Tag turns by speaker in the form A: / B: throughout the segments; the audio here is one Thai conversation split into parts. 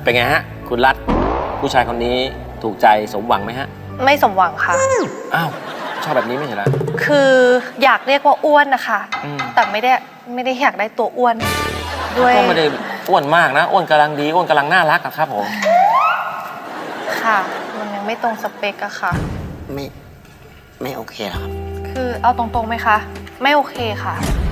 A: เป็นไงฮะคุณรัฐผู้ชายคนนี้ถูกใจสมหวังไหมฮะ
B: ไม่สมหวังค่ะ
A: อ้าวชอบแบบนี้ไม่ใช่เหรอ
B: คืออยากเรียกว่าอ้วนนะคะแต่ไม่ได้อยากได้ตัวอ้วนด้วย
A: ก็ไม่ได้อ้วนมากนะอ้วนกำลังดีอ้วนกำลังน่ารักอะครับผม
B: ค่ะมันยังไม่ตรงสเปกอะค่ะ
C: ไม่โอเคหรอครับ
B: คือเอาตรงๆไหมคะไม่โอเคค่ะ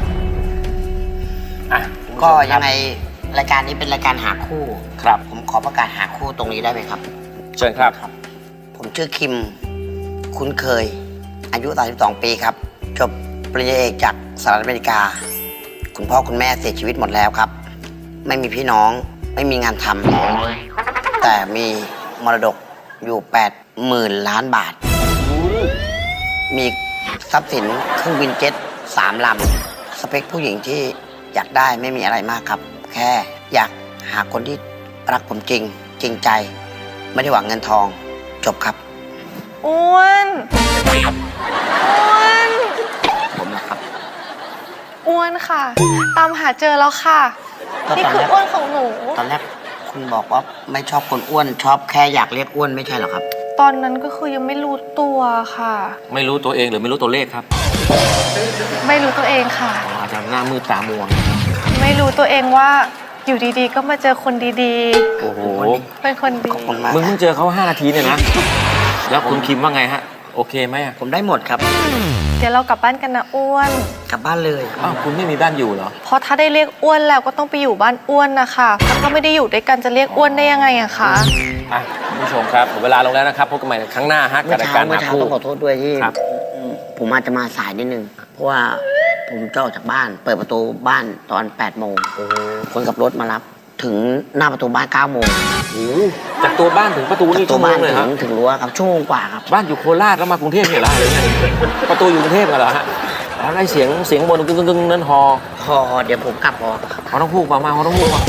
C: ก็ยังไงรายการนี้เป็นรายการหาคู่
A: ครับ
C: ผมขอประกาศหาคู่ตรงนี้ได้ไหมครับ
A: เชิญครับ
C: ผมชื่อคิมคุ้นเคยอายุ32ปีครับจบปริญญาเอกจากสหรัฐอเมริกาคุณพ่อคุณแม่เสียชีวิตหมดแล้วครับไม่มีพี่น้องไม่มีงานทำแต่มีมรดกอยู่80,000 ล้านบาทมีทรัพย์สินเครื่องบินเจ็ต3 ลำสเปคผู้หญิงที่อยากได้ไม่มีอะไรมากครับแค่อยากหาคนที่รักผมจริงใจไม่ได้หวังเงินทองจบครับ
B: อ้วน
C: ผมนะครับ
B: อ้วนค่ะตามหาเจอแล้วค่ะนี่คืออ้วนของหนู
C: ตอนแรกคุณบอกว่าไม่ชอบคนอ้วนชอบแค่อยากเรียกอ้วนไม่ใช่หรอครับ
B: ตอนนั้นก็คือยังไม่รู้ตัวค่ะ
A: ไม่รู้ตัวเองหรือไม่รู้ตัวเลขครับ
B: ไม่รู้ตัวเองค่ะ
A: อาจจะหน้ามืดตามัว
B: ไม่รู้ตัวเองว่าอยู่ดีๆก็มาเจอคนดี
A: ๆโอ้โห
B: เป็นคนดี
A: มึงเพิ่งเจอเขา5 นาทีเนี่ยนะแล้วคุณคิมว่าไงฮะโอเคไหม
C: ผมได้หมดครับ
B: เดี๋ยวเรากลับบ้านกันนะอ้วน
C: กลับบ้านเลย
A: อ้าวคุณไม่มีบ้านอยู่เหรอ
B: เพราะถ้าได้เรียกอ้วนแล้วก็ต้องไปอยู่บ้านอ้วนนะคะถ้าไม่ได้อยู่ด้วยกันจะเรียกอ้วนได้ยังไงอะคะ
A: คุณผู้ชมครับเวลาลงแล้วนะครับพบกันใหม่ครั้งหน้าฮะกับรายการหาคู่
C: ต้องขอโทษด้วยที่ผมอาจจะมาสายนิดนึงเพราะว่าผมจะออกจากบ้านเปิดประตูบ้านตอน8 โมงคนขับรถมารับถึงหน้าประตูบ้าน9 โมง
A: จากตัวบ้านถึงประตูนี่ชั่วโมงเลยครับ
C: ถึงรั้วครับชั่วโมงกว่าครับ
A: บ้านอยู่โคราชแล้วมากรุงเทพเนี่ยเหรอประตูอยู่กรุงเทพกันเหรอฮะแล้วได้เสียงบนกึ่งนั่นฮอ
C: เดี๋ยวผมกลับฮอ
A: เขาต้องพูดมาเขาต้องพูดมา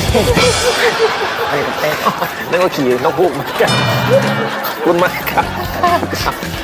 C: เฮ้ยเต้
A: นึกว่าขี่ต้องพูดมาคุณมากครับ